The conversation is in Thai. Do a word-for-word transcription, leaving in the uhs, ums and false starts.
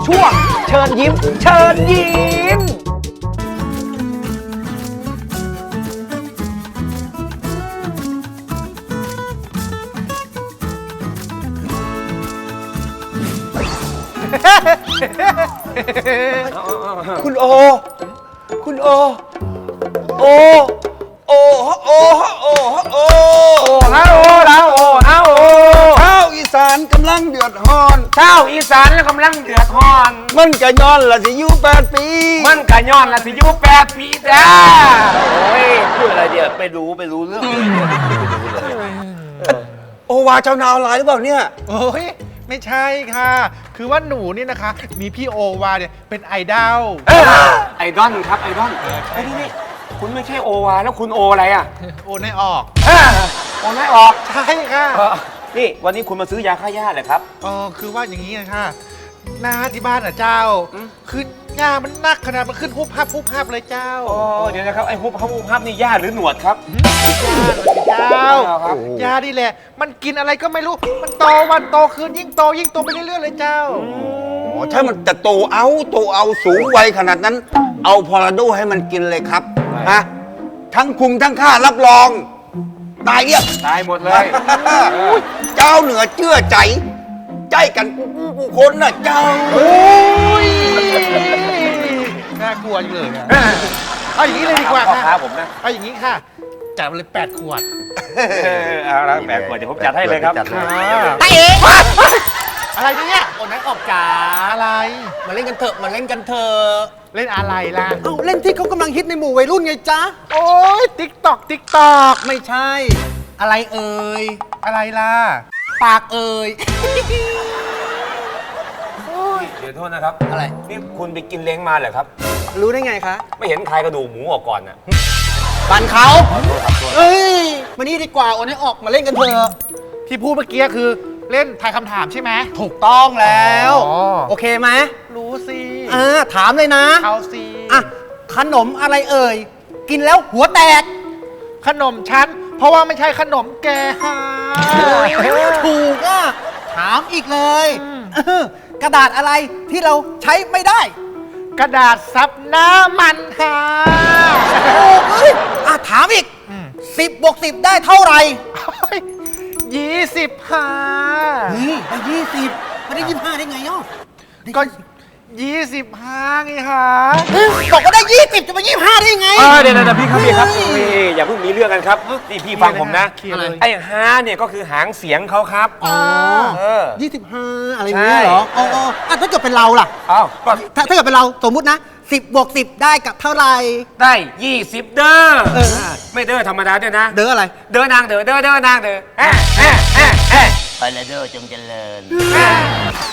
ช่วงเชิญยิ้มเชิญยิ้มคุณโอคุณโอโอโอโอโอโอโอฮะโอแล้วโอฮะโอชาวอีสานกำลังเดือดร้อนชาวอีสานกำลังเดือดร้อนมันกะย้อนละสิอยู่แปดปีมันกะย้อนละสิอยู่แปดปีจ้าโอ้ยพูดอะไรเดี๋ยวไปรู้ไปรู้เรื่องโอวาเจ้านาวอะไรหรือเปล่าเนี่ยโอ้ยไม่ใช่ค่ะคือว่าหนูนี่นะคะมีพี่โอวาเนี่ยเป็นไอดอลไอดอลครับไอดอลไอ้นี่นี่คุณไม่ใช่โอวาแล้วคุณโออะไรอ่ะโอไนออกโอไนออกใช่ค่ะนี่วันนี้คุณมาซื้อยาฆ่าหญ้าเลยครับอ๋อคือว่าอย่างนี้นะคะหน้าที่บ้านอ่ะเจ้าคือหญ้ามันนักขนาดมันขึ้นหุบพับหุบพับเลยเจ้าอ๋อเดี๋ยวนะครับไอ้หุบพับหุบพับนี่หญ้าหรือหนวดครับเจ้าหญ้านี่แหละมันกินอะไรก็ไม่รู้มันโตวันโตคืนยิ่งโตยิ่งโตไปเรื่อยๆเลยเจ้าอ๋อถ้ามันจะโตเอาโตเอาสูงวัยขนาดนั้นเอาพอราโดให้มันกินเลยครับฮะทั้งคุมทั้งฆ่ารับรองตายเรียบตายหมดเลยเจ้าเหนือเชื่อใจใจกันกูคนน่ะเจ้าโอ้ยน่ากลัวเลยเอาอย่างนี้เลยดีกว่าค่ะผมนะเอาอย่างนี้ค่ะจัดมาเลยแปดขวดเอาละแปดขวดเดี๋ยวผมจัดให้เลยครับไอ้เอ๋อะไรเนี่ยโอ้นักออกจ๋าอะไรมาเล่นกันเถอะมาเล่นกันเถอะเล่นอะไรล่ะเอาเล่นที่เขากำลังฮิตในหมู่วัยรุ่นไงจ๊ะโอ้ยติ๊กตอกติ๊กตอกไม่ใช่อะไรเอ่ยอะไรล่ะปากเอ่ยเดี๋ยวโทษนะครับอะไรนี่คุณไปกินเล้งมาเหรอครับรู้ได้ไงคะไม่เห็นคายกระดูกหมูออกก่อนน่ะบันเขาเอ้ยมานี่ดีกว่าโอ้นี่ออกมาเล่นกันเถอะที่พูดเมื่อกี้คือเล่นทายคำถามใช่ไหมถูกต้องแล้วโอเคไหมรู้สิอ่าถามเลยนะเอาสิอ่ะขนมอะไรเอ่ยกินแล้วหัวแตกขนมชั้นเพราะว่าไม่ใช่ขนมแกฮะถูกอ่ะถามอีกเลยกระดาษอะไรที่เราใช้ไม่ได้กระดาษซับน้ำมันฮะโอ้ยอ่ะถามอีกสิบบวกสิบได้เท่าไหร่ยี่สิบฮะเฮ้ยได้ยี่สิบไม่ได้ยี่สิบห้าได้ไงอ่ะก็ยี่สิบห้าไงฮะบอกว่าได้ยี่สิบจะมายี่สิบห้าได้ไงเดี๋ยวเดี๋ยวพี่ครับพี่ครับพี่อย่าเพิ่งมีเรื่องกันครับนี่พี่ฟังผมนะไอ้ฮาเนี่ยก็คือหางเสียงเขาครับอ๋อยี่สิบห้าอะไรอย่างเงี้ยเหรออ๋อถ้าเกิดเป็นเราล่ะอ้าวถ้าถ้าเกิดเป็นเราสมมุตินะสิบบวกสิบได้กับเท่าไหร่ได้ยี่สิบเด้อไม่เด้อธรรมดาด้วยนะเด้ออะไรเด้อนางเด้อเด้อเด้อนางเด้อไปเลยเด้อจงเจริญ